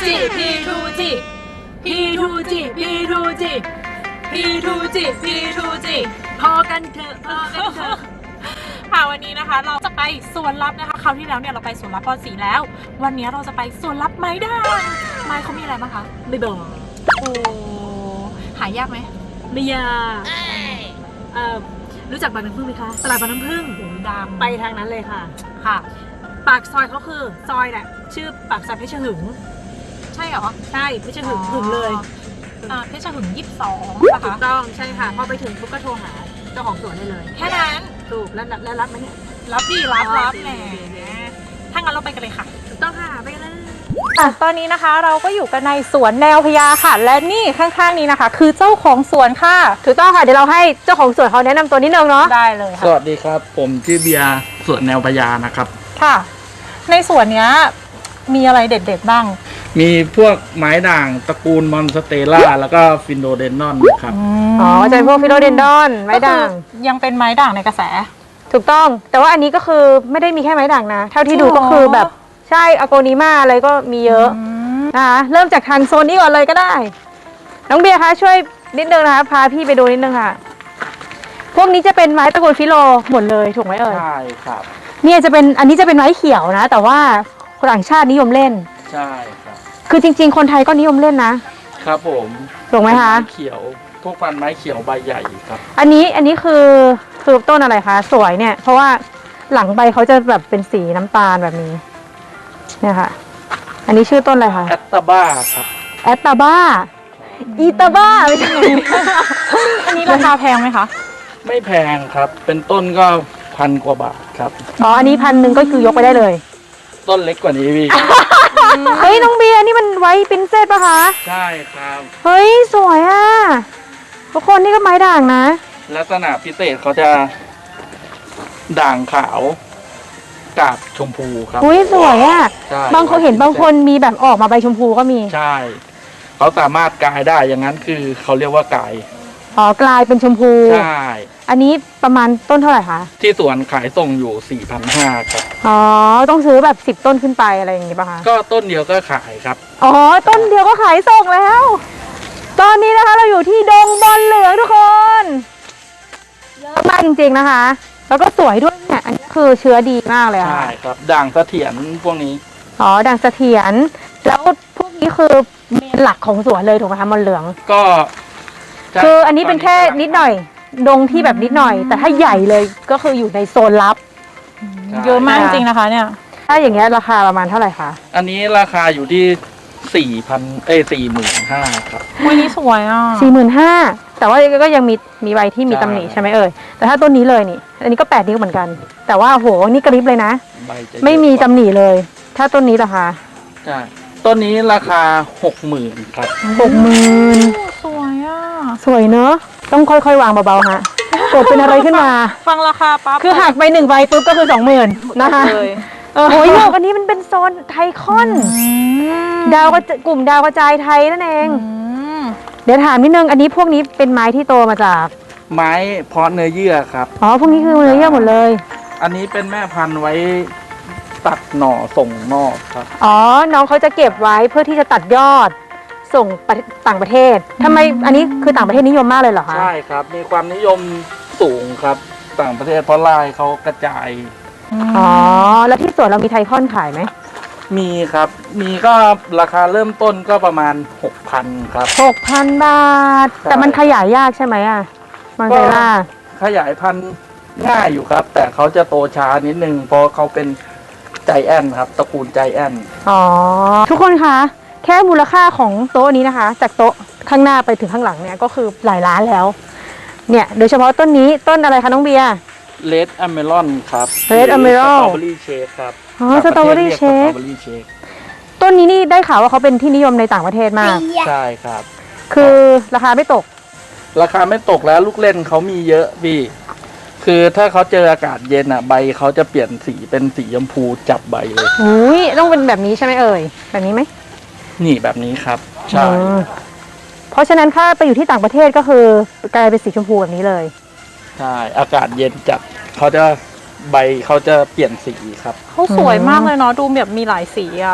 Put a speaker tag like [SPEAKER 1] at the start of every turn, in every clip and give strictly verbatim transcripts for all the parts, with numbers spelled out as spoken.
[SPEAKER 1] จีพีทูจีพีทูจีพีทูจีพีทูจีพีทูจีพอกันเถอะพอกันเถอะค่ะวันนี้นะคะเราจะไปสวนลับนะคะคราวที่แล้วเนี่ยเราไปสวนลับปอนสีแล้ววันนี้เราจะไปสวนลับไม้ด่างไม้เขามีอะไรบ้างคะไม่บอกโอ้หายากไหมไม่ยากเอ่อรู้จักบางน้ำผึ้งไหมคะตลาดบางน้ำผึ้งโอ้ดังไปทางนั้นเลยค่ะค่ะปากซอยเขาคือซอยแหละชื่อปากซอยเพชรหึงใช่เหรอใช่เพชรหึงหึงเลยอ่าเพชรหึงยี่สิบสองถูกต้องใช่ค่ะพอไปถึงปุ๊บก็โทรหาเจ้าของสวนได้เลยแค่นั้นถูกแล้วแล้วรับไหมเนี่ยรับพี่รับรับแหมถ้างั้นเราไปกันเลยค่ะถูกต้องค่ะไปกันเลย
[SPEAKER 2] ตอนนี้นะคะเราก็อยู่กันในสวนแนวพญาค่ะและนี่ข้างๆนี้นะคะคือเจ้าของสวนค่ะถูกต้องค่ะเดี๋ยวเราให้เจ้าของสวนเขาแนะนำตัวนิดนึงเนาะได้เลยค่ะ
[SPEAKER 3] สวัสดีครับผมชื่อเบียร์สวนแนวพญานะครับ
[SPEAKER 2] ค่ะในสวนเนี้ยมีอะไรเด็ดๆบ้าง
[SPEAKER 3] มีพวกไม้ด่างตระกูลมอนสเตล่าแล้วก็ฟินโดเดนนอนครับ
[SPEAKER 2] อ๋อจะเป็นพวกฟิโลเดนดอนไม้ด่างยังเป็นไม้ด่างในกระแสถูกต้องแต่ว่าอันนี้ก็คือไม่ได้มีแค่ไม้ด่างนะเท่าที่ดูก็คือแบบใช่อโกนิมาอะไรก็มีเยอะนะคะเริ่มจากทางโซนนี้ก่อนเลยก็ได้น้องเบียร์คะช่วยนิดนึงนะคะพาพี่ไปดูนิดนึงค่ะพวกนี้จะเป็นไม้ตระกูลฟิโลหมดเลยถูกไหมเอ่ย
[SPEAKER 3] ใช่ครับ
[SPEAKER 2] เนี่ยจะเป็นอันนี้จะเป็นไม้เขียวนะแต่ว่าคนต่างชาตินิยมเล่น
[SPEAKER 3] ใช่ครับ
[SPEAKER 2] คือจริงๆคนไทยก็นิยมเล่นนะครับ
[SPEAKER 3] ผม
[SPEAKER 2] ถูกไหมคะ
[SPEAKER 3] ไม้เขียวพวกพันไม้เขียวใบใหญ่ครับ
[SPEAKER 2] อันนี้อันนี้คือคือต้นอะไรคะสวยเนี่ยเพราะว่าหลังใบเขาจะแบบเป็นสีน้ำตาลแบบนี้เนี่ยค่ะอันนี้ชื่อต้นอะไรคะ
[SPEAKER 3] แอตตาบ้าครับ
[SPEAKER 2] แอตตาบ้าอีตาบ้าไม่ใช่อันนี้ราคาแพงไหมคะ
[SPEAKER 3] ไม่แพงครับเป็นต้นก็พันกว่าบาทครับ
[SPEAKER 2] อ๋ออันนี้พันหนึ่งก็คือยกไปได้เลย
[SPEAKER 3] ต้นเล็กกว่านี้พี่
[SPEAKER 2] เฮ้ยน้องเบียร์นี่มันไว้ปรินเซสป่ะคะ
[SPEAKER 3] ใช่ครับ
[SPEAKER 2] เฮ้ยสวยอ่ะทุกคนนี่ก็ไม้ด่างนะ
[SPEAKER 3] ลักษณะพิเศษเขาจะด่างขาวกาบชมพูครับ
[SPEAKER 2] อุ้ยสวยอ่ะบางคนเห็นบางคนมีแบบออกมาใบชมพูก็มี
[SPEAKER 3] ใช่เขาสามารถกลายได้อย่างนั้นคือเขาเรียกว่ากลาย
[SPEAKER 2] อ๋อกลายเป็นชมพู
[SPEAKER 3] ใช่
[SPEAKER 2] อันนี้ประมาณต้นเท่าไหร่คะ
[SPEAKER 3] ที่สวนขายส่งอยู่ สี่พันห้าร้อย ครับ
[SPEAKER 2] อ๋อต้องซื้อแบบสิบต้นขึ้นไปอะไรอย่างงี้ป่ะคะ
[SPEAKER 3] ก็ต้นเดียวก็ขายครับ
[SPEAKER 2] อ๋อต้นเดียวก็ขายส่งแล้วตอนนี้นะคะเราอยู่ที่ดงบอลเหลืองทุกคนเยอะมากจริงๆนะคะแล้วก็สวยด้วยเนี่ยอันนี้คือเชื้อดีมากเลยค่ะ
[SPEAKER 3] ใช่ครับด่างเสถียรพวกนี้
[SPEAKER 2] อ๋อด่างเสถียรแล้วพวกนี้คือเมนหลักของสวนเลยถูกไหมคะบอลเหลือง
[SPEAKER 3] ก็
[SPEAKER 2] คืออันนี้เป็นแค่นิดหน่อยดงที่แบบนิดหน่อยแต่ถ้าใหญ่เลยก็คืออยู่ในโซนลับเยอะมากจริงนะคะเนี่ยถ้าอย่างเงี้ยราคาประมาณเท่าไหร่คะ
[SPEAKER 3] อันนี้ราคาอยู่ที่สี่พันเอ้ยสี่หมื่นห้าครับ
[SPEAKER 2] วันนี้สวยอ่ะสี่หมื่นห้าแต่ว่าก็ยังมีมีใบที่มีตำหนิใช่ไหมเอ่ยแต่ถ้าต้นนี้เลยนี่อันนี้ก็แปดนิ้วเหมือนกันแต่ว่าโหนี่กระริบเลยนะไม่มีตำหนิเลยถ้าต้นนี้ราคา
[SPEAKER 3] ใช่ต้นนี้ราคาหกหมื่นครับ
[SPEAKER 2] หกหมื่นสวยอ่ะสวยเนอะต้องค่อยๆวางเบาๆฮะเกิดเป็นอะไรขึ้นมา
[SPEAKER 1] ฟังราคาปั๊บ
[SPEAKER 2] คือหักไปหนึ่งใบปุ๊บก็คือสองหมื่นนะคะโอ้ยโลกอันนี้มันเป็นโซนไทคอนดาวก็กลุ่มดาวกระจายไทยนั่นเองเดี๋ยวถามนิดนึงอันนี้พวกนี้เป็นไม้ที่โตมาจาก
[SPEAKER 3] ไม้เพาะเนื้อเยื่อครับ
[SPEAKER 2] อ๋อพวกนี้คือเนื้อเยื่อหมดเลย
[SPEAKER 3] อันนี้เป็นแม่พันธุ์ไว้ตัดหน่อส่งนอกครับ
[SPEAKER 2] อ๋อน้องเขาจะเก็บไว้เพื่อที่จะตัดยอดส่งต่างประเทศทำไมอันนี้คือต่างประเทศนิยมมากเลยเหรอคะ
[SPEAKER 3] ใช่ครับมีความนิยมสูงครับต่างประเทศเพราะลายเขากระจาย
[SPEAKER 2] อ๋อแล้วที่สวนเรามีไทคอนขายไหม
[SPEAKER 3] มีครับมีก็ราคาเริ่มต้นก็ประมาณ หกพัน ครับ
[SPEAKER 2] หกพันบาทแต่มันขยายยากใช่ไหมอ่ะมันเซล่า
[SPEAKER 3] ขยายพันธุ์ง่ายอยู่ครับแต่เขาจะโตช้านิดนึงเพราะเขาเป็นใจแอนครับตระกูลใจแอน
[SPEAKER 2] อ๋อทุกคนคะแค่มูลค่าของโต๊ะนี้นะคะจากโต๊ะข้างหน้าไปถึงข้างหลังเนี่ยก็คือหลายล้านแล้วเนี่ยโดยเฉพาะต้นนี้ต้นอะไรคะน้องเบียร์
[SPEAKER 3] เลดอเมรอนครับ
[SPEAKER 2] เลดอเมรอน
[SPEAKER 3] สตรอเบอรี่เชคครับ
[SPEAKER 2] อ๋อสตรอเบอรี่เชคต้นนี้นี่ได้ข่าวว่าเขาเป็นที่นิยมในต่างประเทศมาก
[SPEAKER 3] ใช่ครับ
[SPEAKER 2] คือราคาไม่ตก
[SPEAKER 3] ราคาไม่ตกแล้วลูกเล่นเขามีเยอะพี่คือถ้าเขาเจออากาศเย็นอ่ะใบเขาจะเปลี่ยนสีเป็นสีชมพูจับใบเลย
[SPEAKER 2] อุ้ยต้องเป็นแบบนี้ใช่ไหมเอ่ยแบบนี้ไหม
[SPEAKER 3] นี่แบบนี้ครับใช่
[SPEAKER 2] เพราะฉะนั้นถ้าไปอยู่ที่ต่างประเทศก็คือกลายเป็นสีชมพูแบบนี้เลย
[SPEAKER 3] ใช่อากาศเย็นจัดเขาจะใบเขาจะเปลี่ยนสีครับ
[SPEAKER 1] เขาสวยมากเลยเนาะดูแบบมีหลายสีอ่ะ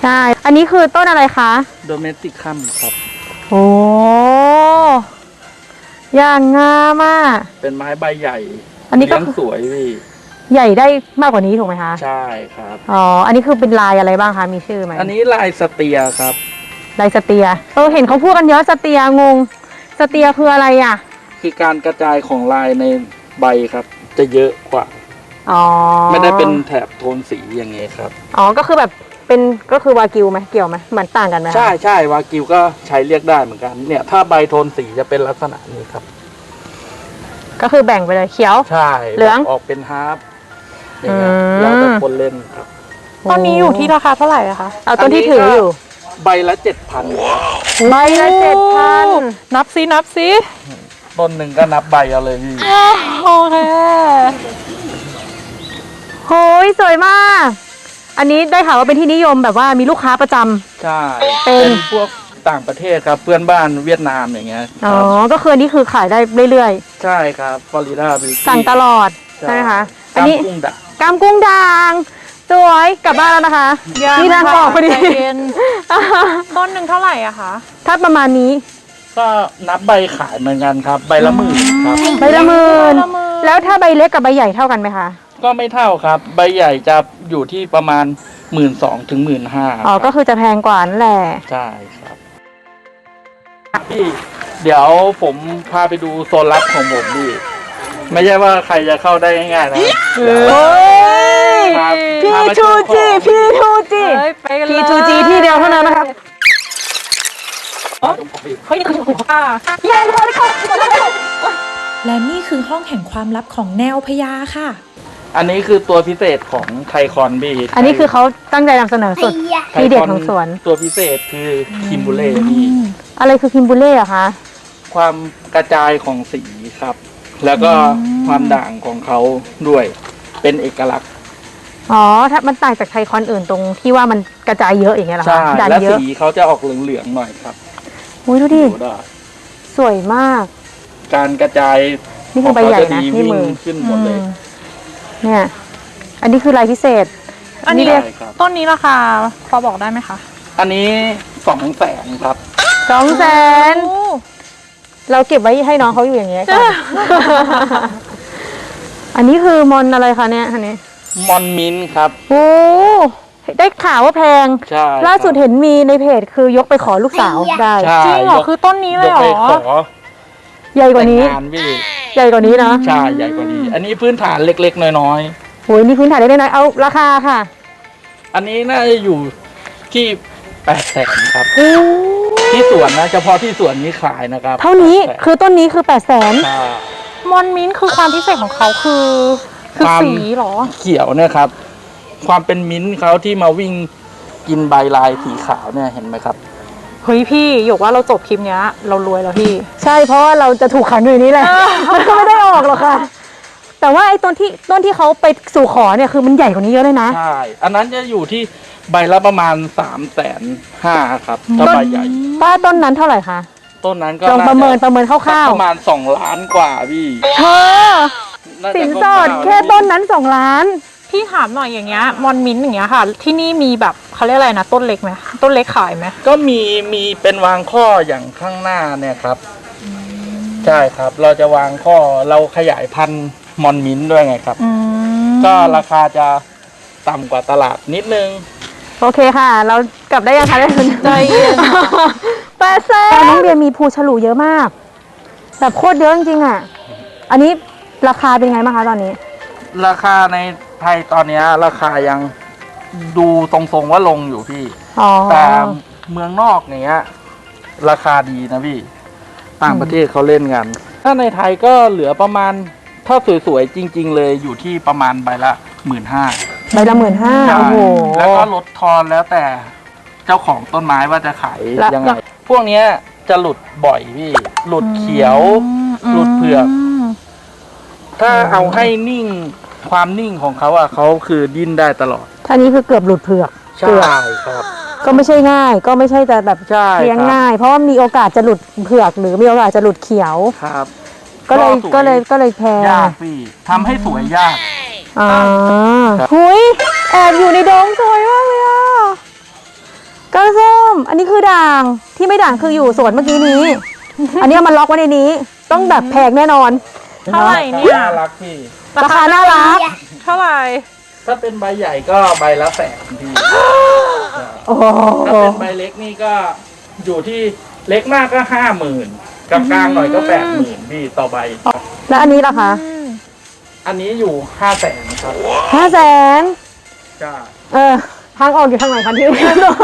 [SPEAKER 2] ใช่ อันนี้คือต้นอะไรคะ
[SPEAKER 3] โดเมสติกคัมครับ
[SPEAKER 2] โอ้อย่างงามอ่ะ
[SPEAKER 3] เป็นไม้ใบใหญ่
[SPEAKER 2] อันนี้ก็
[SPEAKER 3] เลี้ยงสวยพี่
[SPEAKER 2] ใหญ่ได้มากกว่านี้ถูกไหมคะ
[SPEAKER 3] ใช่ครับ
[SPEAKER 2] อ๋อ อันนี้คือเป็นลายอะไรบ้างคะ มีชื่อไหม
[SPEAKER 3] อันนี้ลายสเตียครับ
[SPEAKER 2] ลายสเตีย เออ เห็นเขาพูดกันเยอะสเตียงง สเตียคืออะไรอ่ะ
[SPEAKER 3] คือการกระจายของลายในใบครับ จะเยอะกว่า
[SPEAKER 2] อ๋อ
[SPEAKER 3] ไม่ได้เป็นแถบโทนสีอย่างเงี้ยครับ
[SPEAKER 2] อ๋อ ก็คือแบบเป็นก็คือวากิวไหมเกี่ยวไหมเหมือนต่างกันไหมคะ
[SPEAKER 3] ใช่ใช่วากิวก็ใช้เรียกได้เหมือนกัน เนี่ย ถ้าใบโทนสีจะเป็นลักษณะนี้ครับ
[SPEAKER 2] ก็คือแบ่งไปเลยเขียว
[SPEAKER 3] ใช่
[SPEAKER 2] เหลือง
[SPEAKER 3] ออกเป็นฮาร์ฟอย่างเงี้ย
[SPEAKER 2] อืม
[SPEAKER 3] แล้วแต่คนเล่นครับ
[SPEAKER 1] ตอนนี้อยู่ที่ราคาเท่าไหร่อะคะ
[SPEAKER 2] เอาต้นที่ถืออยู่
[SPEAKER 3] ใบละเจ็ดพัน
[SPEAKER 2] ใบละเจ็ดพัน
[SPEAKER 1] นับซินับซิ
[SPEAKER 3] ต้นหนึ่งก็นับใบเอาเลยพี่
[SPEAKER 1] โอเค
[SPEAKER 2] โหยสวยมาก อันนี้ได้ข่าวว่าเป็นที่นิยมแบบว่ามีลูกค้าประจำ
[SPEAKER 3] ใช่
[SPEAKER 2] เป็น
[SPEAKER 3] พวกต่างประเทศครับ เพื่อนบ้านเวียดนามอย่างเงี้ยค
[SPEAKER 2] อ๋อ
[SPEAKER 3] รับ
[SPEAKER 2] ก็คืออันนี้คือขายได้เรื่อย
[SPEAKER 3] ใช่ครับฟลอริดาบิวตี้
[SPEAKER 2] ๆ สั่งตลอดใช่ไหมคะ อันนี้
[SPEAKER 3] กุ้งดัก
[SPEAKER 2] กามกุ้งด่างสวยกลับบ้านแล้วนะคะนี่ทางออกพอดี
[SPEAKER 1] ใจเย็น ต้นหนึ่งเท่าไหร่อะคะ
[SPEAKER 2] ถ้าประมาณนี้
[SPEAKER 3] ก็นับใบขายเหมือนกันครับ ใบละหมื่นครับ
[SPEAKER 2] ใบละหมื่น
[SPEAKER 1] ใบละหมื่น
[SPEAKER 2] แล้วถ้าใบเล็กกับใบใหญ่เท่ากันไหมคะ
[SPEAKER 3] ก็ไม่เท่าครับ ใบใหญ่จะอยู่ที่ประมาณหมื่นสองถึงหมื่นห้า
[SPEAKER 2] อ๋อ ก็คือจะแพงกว่านั่นแหละ
[SPEAKER 3] ใช่ครับพี่เดี๋ยวผมพาไปดูโซนลับของผมพี่ไม่ใช่ว่าใครจะเข้าได้ง่ายๆนะเดี๋ยว
[SPEAKER 2] โอ้ย
[SPEAKER 3] ครับ
[SPEAKER 2] พี่
[SPEAKER 3] พามา
[SPEAKER 2] ทู
[SPEAKER 3] ชมของ
[SPEAKER 2] จีพี่ทูจี
[SPEAKER 1] เฮ้ยไปกันเลย
[SPEAKER 2] พี่ทูจีที่เดียวเท่านั้นนะครับ
[SPEAKER 1] เฮ้ยนี่คือของป้า
[SPEAKER 4] และนี่คือห้องแห่งความลับของแนวพญาค่ะ
[SPEAKER 3] อันนี้คือตัวพิเศษของไทคอนพี่
[SPEAKER 2] อันนี้คือเขาตั้งใจนำเสนอสุด
[SPEAKER 3] ไท
[SPEAKER 2] ทีเด็ด
[SPEAKER 3] คอน
[SPEAKER 2] ของสวน
[SPEAKER 3] ตัวพิเศษคือคิมบูเล่พี่
[SPEAKER 2] อะไรคือคิมบูเล่อะคะ
[SPEAKER 3] ความกระจายของสีครับ แล้วก็ความด่างของเขาด้วยเป็นเอกลักษณ์
[SPEAKER 2] อ๋อ ถ้ามันต่างจากไทยคอนอื่นตรงที่ว่ามันกระจายเยอะอย่างเงี้ยเหรอ
[SPEAKER 3] ใช่
[SPEAKER 2] คะด่าน
[SPEAKER 3] และ
[SPEAKER 2] เยอะ
[SPEAKER 3] สีเขาจะออกเหลืองๆหน่อยครับ
[SPEAKER 2] อุ้ยดูดิ
[SPEAKER 3] ดูได้
[SPEAKER 2] สวยมาก
[SPEAKER 3] การกระจาย
[SPEAKER 2] นี่คือใบใหญ่นะ
[SPEAKER 3] ของเขาจดี
[SPEAKER 2] นี่มือ
[SPEAKER 3] วิ่งขึ้นหมดเลย
[SPEAKER 2] อืมเนี่ย อันนี้คือลายพิเศษ
[SPEAKER 1] อันนี้
[SPEAKER 3] ใช่ครับ
[SPEAKER 1] ต้นนี้ราคาพอบอกได้ไหมคะ
[SPEAKER 3] อันนี้สองแสนครับ
[SPEAKER 2] สองแสน
[SPEAKER 1] โอ้
[SPEAKER 2] เราเก็บไว้ให้น้องเขาอยู่อย่างเงี้ยก่อน อันนี้คือมอนอะไรคะเนี่ยอันนี้
[SPEAKER 3] มอนมินท์ครับ
[SPEAKER 2] โอ้ได้ข่าวว่าแพง
[SPEAKER 3] ใช่
[SPEAKER 2] ล่าสุดเห็นมีในเพจคือยกไปขอลูกสาวได้
[SPEAKER 3] ใช่
[SPEAKER 1] จริงเหรอคือต้นนี้เลยเหร
[SPEAKER 3] กไป
[SPEAKER 1] อ
[SPEAKER 3] ขอ
[SPEAKER 2] ใหญ่กว่านี้
[SPEAKER 3] แต่งงานพี่
[SPEAKER 2] ใหญ่กว่านี้นะ
[SPEAKER 3] ใช่ใหญ่กว่านี้ อันนี้พื้นฐานเล็กๆน้อย
[SPEAKER 2] โอ้ยนี่พื้นฐานได้น้อยๆเอาราคาค่ะ
[SPEAKER 3] ๆอันนี้น่าจะอยู่ที่แปดแสนครับ
[SPEAKER 2] โอ้
[SPEAKER 3] ที่สวนนะเฉพาะที่สวนนี้ขายนะครับ
[SPEAKER 2] เท่านี้
[SPEAKER 3] แปดแสน
[SPEAKER 2] คือต้นนี้คือแปดแสน
[SPEAKER 3] ใช่
[SPEAKER 1] มอนมิ้นท์คือความพิเศษของเขาคือ คือ
[SPEAKER 3] ความ
[SPEAKER 1] สีเหรอ
[SPEAKER 3] เขียวเนี่ยครับ ความเป็นมิ้นท์เขาที่มาวิ่งกินใบลายสีขาวเนี่ยเห็นไหมครับ
[SPEAKER 1] เฮ้ยพี่หยกว่าเราจบคลิปเนี้ย เรารวยแล้วพี่
[SPEAKER 2] ใช่เพราะว่าเราจะถูกขังอยู่ในนี้แหละ มันก็ไม่ได้ออกหรอกค่ะ แต่ว่าไอ้ต้นที่ต้นที่เขาไปสู่ขอเนี่ยคือมันใหญ่กว่านี้เยอะเลยนะ
[SPEAKER 3] ใช่ อันนั้นจะอยู่ที่ใบละประมาณสามแสนห้าครับถ้าใบใหญ่
[SPEAKER 2] ป้าต้นนั้นเท่าไหร่คะ
[SPEAKER 3] ต้นนั้นก็
[SPEAKER 2] ลองประเมินประเมินค
[SPEAKER 3] สัก
[SPEAKER 2] ร่าว
[SPEAKER 3] ประมาณสองล้านกว่าพี่
[SPEAKER 2] ๆเธอ
[SPEAKER 3] น่าจะ
[SPEAKER 2] สินสอด
[SPEAKER 3] ร่วมๆ
[SPEAKER 2] แค่ต้นนั้นสองล้าน
[SPEAKER 1] พี่ถามหน่อยอย่างเงี้ยมอนมิ้นท์อย่างเงี้ยค่ะ ที่นี่มีแบบเขาเรียกอะไรนะต้นเล็กไหมต้นเล็กขายไหม
[SPEAKER 3] ก็มีมีเป็นวางข้ออย่างข้างหน้าเนี่ยครับ ใช่ครับ เราจะวางข้อเราขยายพันธุ์มอนมิ้นท์ด้วยไงครับ
[SPEAKER 1] อืม
[SPEAKER 3] ก็ราคาจะต่ำกว่าตลาดนิดนึง
[SPEAKER 2] โอเคค่ะ เรากลับได้ยังคะได้คุณ
[SPEAKER 1] ใจเย็น
[SPEAKER 2] แปดแสนน้องเบียร์มีภูฉลูเยอะมาก แบบโคตรเยอะจริงๆอ่ะ อันนี้ราคาเป็นไงบ้างคะตอนนี้
[SPEAKER 3] ราคาในไทยตอนเนี้ยราคายังดูทรงๆว่าลงอยู่พี่
[SPEAKER 2] อ๋อ
[SPEAKER 3] แต่เมืองนอกเนี้ยราคาดีนะพี่ ต่างประเทศเขาเล่นกัน ถ้าในไทยก็เหลือประมาณ ถ้าสวยๆจริง ๆ เลยอยู่ที่ประมาณใบละหมื่นห้า
[SPEAKER 2] ใบละหมื่นห้าโอ้โห
[SPEAKER 3] แล้วก็ลดทอนแล้วแต่เจ้าของต้นไม้ว่าจะขาย
[SPEAKER 2] แล้ว
[SPEAKER 3] ยังไง พวกเนี้ยจะหลุดบ่อยพี่ หลุดเขียว หลุดเผือก
[SPEAKER 1] ม
[SPEAKER 3] ถ้าเอาให้นิ่งความนิ่งของเขาอะเขาคือดิ้นได้ตลอด
[SPEAKER 2] ท่านี้คือเกือบหลุดเผือก
[SPEAKER 3] ใช่
[SPEAKER 2] เกือบ
[SPEAKER 3] ครับ
[SPEAKER 2] ก็ไม่ใช่ง่าย ก็ไม่ใช่จะแบบ
[SPEAKER 3] ใช่
[SPEAKER 2] เลี้ยง
[SPEAKER 3] ครับ
[SPEAKER 2] ง่าย เพราะว่ามีโอกาสจะหลุดเผือก หรือมีโอกาสจะหลุดเขียว
[SPEAKER 3] ครับ
[SPEAKER 2] ก็เลย
[SPEAKER 3] สว
[SPEAKER 2] ก็เลยก็เลยแพง
[SPEAKER 3] ยากพี่ทำให้สวยยาก
[SPEAKER 2] อ่า
[SPEAKER 3] ครับ
[SPEAKER 2] หุยแอบอยู่ในดงสวยมากเลยอ่ะก้านส้มอันนี้คือด่างที่ไม่ด่างคืออยู่สวนเมื่อกี้นี้ อันนี้เอามันล็อกไว้ในนี้ ต้องแบบแพงแน่นอน
[SPEAKER 1] เท่าไหร่เนี่ย
[SPEAKER 3] น่ารักพี่
[SPEAKER 2] ราคาน่ารัก
[SPEAKER 1] เท่าไหร่
[SPEAKER 3] ถ้าเป็นใบใหญ่ก็ใบละแสนพี่
[SPEAKER 2] โอ้โห
[SPEAKER 3] ถ้าเป็นใบเล็กนี่ก็อยู่ที่เล็กมากก็ห้าหมื่นกลางๆหน่อยก็แปดหมื่นพี่ต่อใบ
[SPEAKER 2] แล้วอันนี้ล่ะคะ
[SPEAKER 3] อันนี้อยู่ห้าแสนครับ
[SPEAKER 2] ห้าแสน
[SPEAKER 3] ใช่
[SPEAKER 2] เออทางออกอยู่ทางไหนคะที่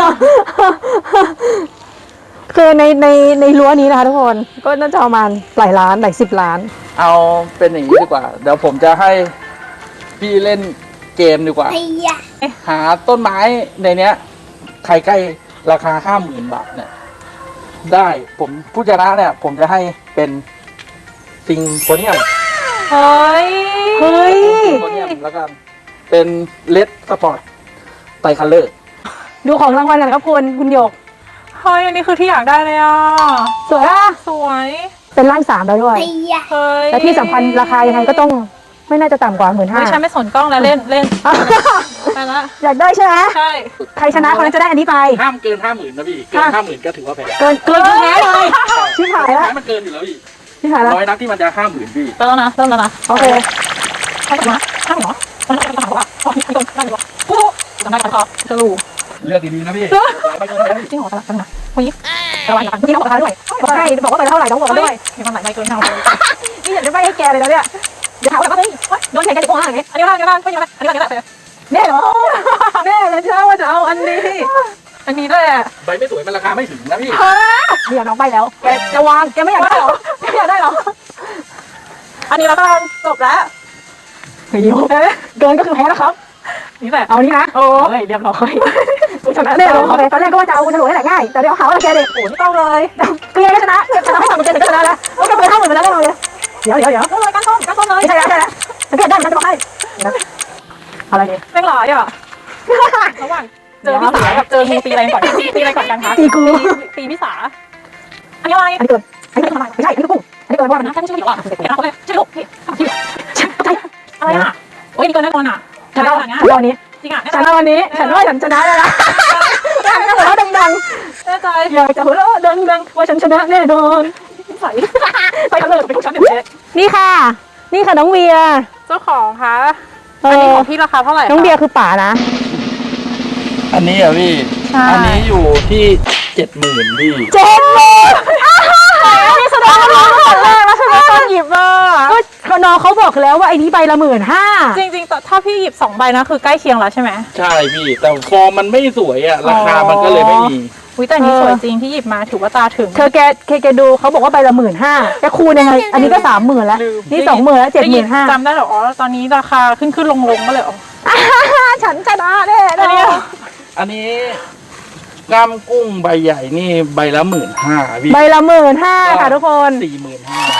[SPEAKER 2] คือในในในรั้วนี้นะคะทุกคนก็น่าจะประมาณหลายล้านหลายสิบล้าน
[SPEAKER 3] เอาเป็นอย่างนี้ดีกว่า เดี๋ยวผมจะให้พี่เล่นเกมดีกว่า หาต้นไม้ในเนี้ยใครใกล้ราคาห้าหมื่นบาทเนี่ย ได้ผมผู้ชนะเนี่ย ผมจะให้เป็นซิงโฟเนียม
[SPEAKER 1] เฮ้ย
[SPEAKER 2] เฮ้ย
[SPEAKER 3] ซิงโฟเนียมแล้วกันเป็นเลดสปอร์ตไตคัลเลอร์
[SPEAKER 2] ดูของรางวัลกันครับคุณคุณหยก
[SPEAKER 1] เฮ้ย อันนี้คือที่อยากได้เลยอ่ะ
[SPEAKER 2] สวยอ่ะ
[SPEAKER 1] สวย
[SPEAKER 2] เป็นร่างสามแล้วด้วย
[SPEAKER 1] เฮ้ย
[SPEAKER 2] และที่สำคัญราคายังไงก็ต้องไม่น่าจะต่ำกว่าหมื่นห้า
[SPEAKER 1] ไม่ใช่ไม่สนกล้องแล้วเล่นเล่นไปละ
[SPEAKER 2] อยากได้ใช่ไหม
[SPEAKER 1] ใช่
[SPEAKER 2] ใครชนะคนนั้นจะได้อันนี้ไป
[SPEAKER 3] ห้ามเกินห้าหมื่นนะพี่ เกินห้าหมื่นก็ถือว่าแพง
[SPEAKER 2] เกินเกินแพ้เลยชิบหายแล้ว
[SPEAKER 3] มันเกินอยู่แล้วพี่
[SPEAKER 2] ชิบหายแล้ว
[SPEAKER 3] ร้อยนักที่มันจะห้าหมื่นพี่
[SPEAKER 1] ไปแล้วนะเริ่มแล้วนะ
[SPEAKER 2] โอเค
[SPEAKER 1] เข้ามาข้างหรอมันจะถามว่าอ๋อมีคนนั่งอยู่วะกูจำได้กันครับจะรู้
[SPEAKER 3] เลือกดีๆนะพี่ไม่เกินแพง
[SPEAKER 1] จริงเหรอกันนะคนนี้ระวังกัน
[SPEAKER 2] เมื่อกี้น้องบอกราคาด้วยบอกให้บอกว่าไปเท่าไหร่น้องบอกมาด้วย
[SPEAKER 1] มีคนหลายใบเกินเท่า
[SPEAKER 2] นี่อยากจะไปให้แกเลยนะเนี่ยเดี๋ยวถามว่าเฮ้ยโดนแข่งกันจะโกงอะไร
[SPEAKER 1] อันนี้บ้างอันนี้บ้างไม่ยังไงอันนี้บ้างอันนี้บ้าง
[SPEAKER 2] แน่เหรอแน่เลยเชื่อว่าจะเอาอันนี้
[SPEAKER 1] อันนี้ด้วย
[SPEAKER 3] ใบไม่สวยมันราคาไม่ถึงนะพี่
[SPEAKER 2] เดี๋ยวน้องไปแล้วแกจะวางแกไม่อยากได้หรอแกไม่อยากได้หรอ
[SPEAKER 1] อันนี้แล้วกันจบแล้ว
[SPEAKER 2] เฮ้ยเกินก็คือแพ้แล้วครับ
[SPEAKER 1] นี่แหละ
[SPEAKER 2] เอานี้นะ
[SPEAKER 1] โอ้ยเรียบร้อย
[SPEAKER 2] กูชนะแน่เลยตอนแรกก็ว่าจะเอากูจะรวยแหละง่ายแต่เดี๋ยวหาว่าแกเด็ก
[SPEAKER 1] โอ้ไม่ต้องเลย
[SPEAKER 2] คือยังไม่ชนะชนะให้ทำมันเกินก็ชนะแล้วก็เกินห้าหมื่นไปแล้วแน่นอนเลยเดี๋ยวเดี๋ยวเดี๋ยว
[SPEAKER 1] ต้องเลยก้านส้มก้านส้มเลย
[SPEAKER 2] ไม่ใช่แล้วใช่แล้วสังเกตได้มันจะบอกให้อะไรดี
[SPEAKER 1] แม่งหลายอ่ะระหว่างเจอพี่สากับเจองูตีอะไรก่อนตีอะไรก่อนกันคะ
[SPEAKER 2] ตีกู
[SPEAKER 1] ตีพี่สาอันนี้อะไร
[SPEAKER 2] อันนี้เกินอันนี้เกินทำไมไม่ใช่อันนี้กุ้งอันนี้เกินว่ามัน
[SPEAKER 1] นะแค่ไม่ใช่พี่หรอเดี๋ยวเราไปใช่ลูกพี่อะไรอ่ะโอ้ยนี่เกินแน่นอนอ่ะ
[SPEAKER 2] ฉันเอา
[SPEAKER 1] เนี้ย
[SPEAKER 2] วันนี้
[SPEAKER 1] จริงอ่ะ
[SPEAKER 2] ฉันเอาวันนี้ฉันว่าฉันชนะแล้วนะอยากจะหัวเราะดัง
[SPEAKER 1] แน่ใจ
[SPEAKER 2] ๆอยากจะหัวเราะดังๆว่าฉันชนะแน่นอน
[SPEAKER 1] ใส่ไปกันเลยไปทุกชั้นเด็ด
[SPEAKER 2] นี่ค่ะ นี่ค่ะน้องเวีย
[SPEAKER 1] เจ้าของคะ
[SPEAKER 2] เอ
[SPEAKER 1] อันนี้
[SPEAKER 2] อ
[SPEAKER 1] ของพี่ราคาเท่าไหร่
[SPEAKER 2] น้องเบียร์คือป่านะ
[SPEAKER 3] อันนี้อ่ะพี่
[SPEAKER 1] ใช่
[SPEAKER 3] อันนี้อยู่ที่เจ็ดหมื่นพี่
[SPEAKER 2] เจ็ดหมื่นอันนี้แสดงว่าน้องคนแรกแล้วใช่ไหม
[SPEAKER 1] ตอนหยิบอ่ะ
[SPEAKER 2] ก็น้องเขาบอกแล้วว่าไอ้นี้ใบละหมื่นห้า
[SPEAKER 1] จริงๆแต่ถ้าพี่หยิบสองใบนะคือใกล้เคียงแล้วใช่ไหม
[SPEAKER 3] ใช่พี่ แต่ฟอร์มมันไม่สวยอ่ะ ราคามันก็เลยไม่มี
[SPEAKER 1] อุ้ยแต่อันนี้สวยจริงที่หยิบมาถือว่าตาถึง
[SPEAKER 2] เธอแกแกแกดูเขาบอกว่าใบละหมื่นห้าแกคูณยังไงอันนี้ก็สามหมื่นแล้ว
[SPEAKER 1] ลืม
[SPEAKER 2] นี่สองหมื่นแล้วเจ็ดหมื่นห้า
[SPEAKER 1] จำได้เหรออ๋อตอนนี้ราคาขึ้นขึ้นลงลงก็เลยอ๋อ
[SPEAKER 2] ฉันชนะแน่น
[SPEAKER 1] อันนี้
[SPEAKER 2] อน
[SPEAKER 3] อันนี้กล้ามกุ้งใบใหญ่นี่ใบละหมื่นห้าพี่
[SPEAKER 2] ใบละหมื่นห้าค่ะทุกคน
[SPEAKER 3] สี่หมื่นห้า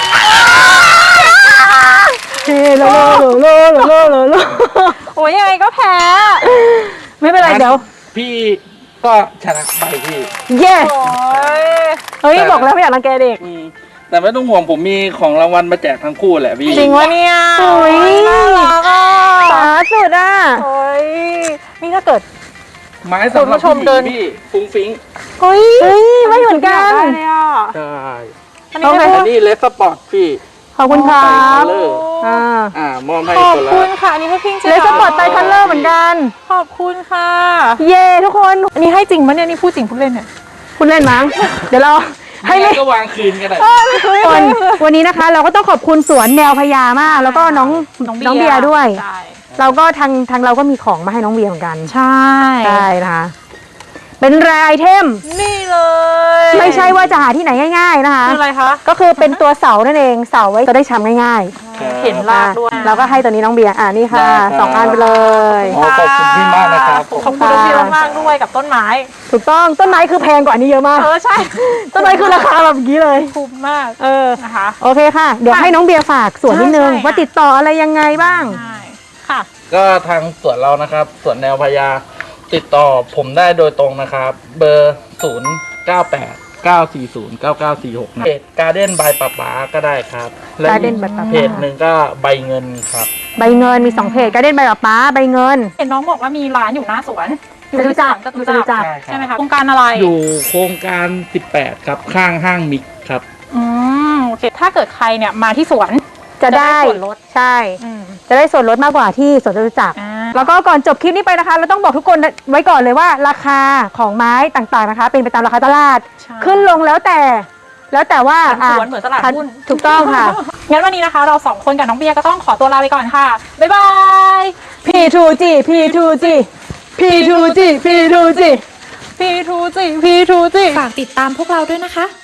[SPEAKER 2] เฮ้โลโลโลโลโลโล
[SPEAKER 1] โอ้ยยังไงก็แพ้
[SPEAKER 2] ไม่เป็นไรเดี๋ยว
[SPEAKER 3] พี่ก็ชนะใบพี่
[SPEAKER 2] เย้
[SPEAKER 1] โอ้ย
[SPEAKER 2] เฮ้ยบอกแล้วไม่อยากรังแกเด็ก
[SPEAKER 3] อืมแต่ไม่ต้องห่วงผมมีของรางวัลมาแจกทั้งคู่แหละพี่
[SPEAKER 1] จริงวะเนี่ย
[SPEAKER 2] โอ้ย
[SPEAKER 1] น่ารักอ่ะ
[SPEAKER 2] สาสุดอ่ะ
[SPEAKER 1] โอ้ยนี่ถ้าเกิด
[SPEAKER 3] ไม้สำหรับ
[SPEAKER 1] คุณผู้ชม
[SPEAKER 3] ผู้ห
[SPEAKER 1] เดิ
[SPEAKER 3] ญิ
[SPEAKER 1] น
[SPEAKER 3] งพี่ฟุ้งฟิ้ง
[SPEAKER 1] เฮ้ย
[SPEAKER 2] เฮ้ยไม่เหมือนกัน
[SPEAKER 1] ได้เลยอ่ะ
[SPEAKER 3] ใช่
[SPEAKER 1] อันนี้ไม่
[SPEAKER 3] อั
[SPEAKER 1] พู
[SPEAKER 3] น
[SPEAKER 1] ด
[SPEAKER 3] นี้เลสสปอร์ตพี่
[SPEAKER 2] ขอบคุณครั
[SPEAKER 3] ไต
[SPEAKER 2] บ
[SPEAKER 3] คัลเลอร์
[SPEAKER 2] อ่า
[SPEAKER 3] อ่ามอบให้
[SPEAKER 1] ขอบ
[SPEAKER 3] คนละ
[SPEAKER 1] คุณค่ะอันนี้ให้พิงเจ
[SPEAKER 2] เลสปอร์ตไตคัลเลอร์เหมือนกัน
[SPEAKER 1] ขอบคุณค่ะ
[SPEAKER 2] เย้ทุกคน
[SPEAKER 1] อันนี้ให้จริงปะเนี่ยนี่พูดจริงพูดเล่นเนี่ย
[SPEAKER 2] คุณเล่นมั้ง เดี๋ยวเราให้
[SPEAKER 3] ให้
[SPEAKER 2] เล่น
[SPEAKER 3] ก็วางคืนกันได้
[SPEAKER 2] คนวันนี้นะคะ เราก็ต้องขอบคุณสวนแนวพญามาก แล้วก็น้องน้องเบียร์ด้วย
[SPEAKER 1] ใช่
[SPEAKER 2] เราก็ทางทางเราก็มีของมาให้น้องเบียร์เหมือนกัน
[SPEAKER 1] ใช่
[SPEAKER 2] ใช่นะคะเป็นแรไอเทม
[SPEAKER 1] นี่เลย
[SPEAKER 2] ไม่ใช่ว่าจะหาที่ไหนง่าย ๆนะคะ
[SPEAKER 1] คืออะไรคะ
[SPEAKER 2] ก็คือเป็นตัวเสานั่นเองเสาไว้จะได้ช้ำง่าย
[SPEAKER 1] เห็น
[SPEAKER 2] ๆ
[SPEAKER 1] ลากด้วย
[SPEAKER 2] เราก็ให้ตัวนี้น้องเบียร์อ่านี่ค่ะสองอันไปเลย
[SPEAKER 3] อ๋อขอบคุณพี่มากนะครับ
[SPEAKER 1] ขอบคุณพี่มากๆด้วยกับต้นไม้
[SPEAKER 2] ถูกต้องต้นไม้คือแพงกว่านี้เยอะมาก
[SPEAKER 1] เออใช่
[SPEAKER 2] ต้นไม้คือราคาแบบนี้เลย
[SPEAKER 1] คุ้มมาก
[SPEAKER 2] เออ
[SPEAKER 1] นะคะ
[SPEAKER 2] โอเคค่ะ เดี๋ยวให้น้องเบียร์ฝากสวนนิดนึง
[SPEAKER 1] ใช่ใช่
[SPEAKER 2] ว่าติดต่ออะไรยังไงบ้าง
[SPEAKER 1] ใช่ค่ะ
[SPEAKER 3] ก็ทางสวนเรานะครับสวนแนวพญาติดต่อผมได้โดยตรงนะครับ เบอร์ศูนย์เก้าแปดเก้าสี่ศูนย์เก้าเก้าสี่หกเพจการ์เด้นบายป๊าป๊าก็ได้ครับและ
[SPEAKER 2] Garden by ป๊าป๊า
[SPEAKER 3] เพจหนึ่งก็ใบเงินครับ
[SPEAKER 2] ใบเงินมีสองเพจการเด่นใบกับป้าใบเงิน
[SPEAKER 1] เห็นน้องบอกว่ามีร้านอยู่หน้าสวนอยู่ที่
[SPEAKER 2] จตุจักร
[SPEAKER 1] จตุจักร
[SPEAKER 2] จตุจักร
[SPEAKER 3] ใช่ครับ
[SPEAKER 1] ใช่ไหมคะโครงการอะไร
[SPEAKER 3] อยู่โครงการสิบแปดครับข้างห้างมิกครับ
[SPEAKER 1] อืมโอเคถ้าเกิดใครเนี่ยมาที่สวน
[SPEAKER 2] จะได้
[SPEAKER 1] ส่วนลด
[SPEAKER 2] ใช่
[SPEAKER 1] อืม
[SPEAKER 2] จะได้ส่วนลดมากกว่าที่สวนจตุจักร
[SPEAKER 1] อ่า
[SPEAKER 2] แล้วก็ก่อนจบคลิปนี้ไปนะคะ เราต้องบอกทุกคนไว้ก่อนเลยว่าราคาของไม้ต่างๆนะคะ เป็นไปตามราคาตลาด
[SPEAKER 1] ใช่
[SPEAKER 2] ขึ้นลงแล้วแต่ แล้วแต่ว่า
[SPEAKER 1] เหมือนสวนเหมือนตลาดหุ้น
[SPEAKER 2] ถูกต้องค่ะ
[SPEAKER 1] งั้นวันนี้นะคะ เราสองคนกับน้องเบียร์ก็ต้องขอตัวลาไปก่อนค่ะ บ๊ายบาย
[SPEAKER 2] พี ทู จี พี ทู จี พี ทู จี พี ทู จี
[SPEAKER 1] พี ทู จี พี ทู จี
[SPEAKER 4] ฝากติดตามพวกเราด้วยนะคะ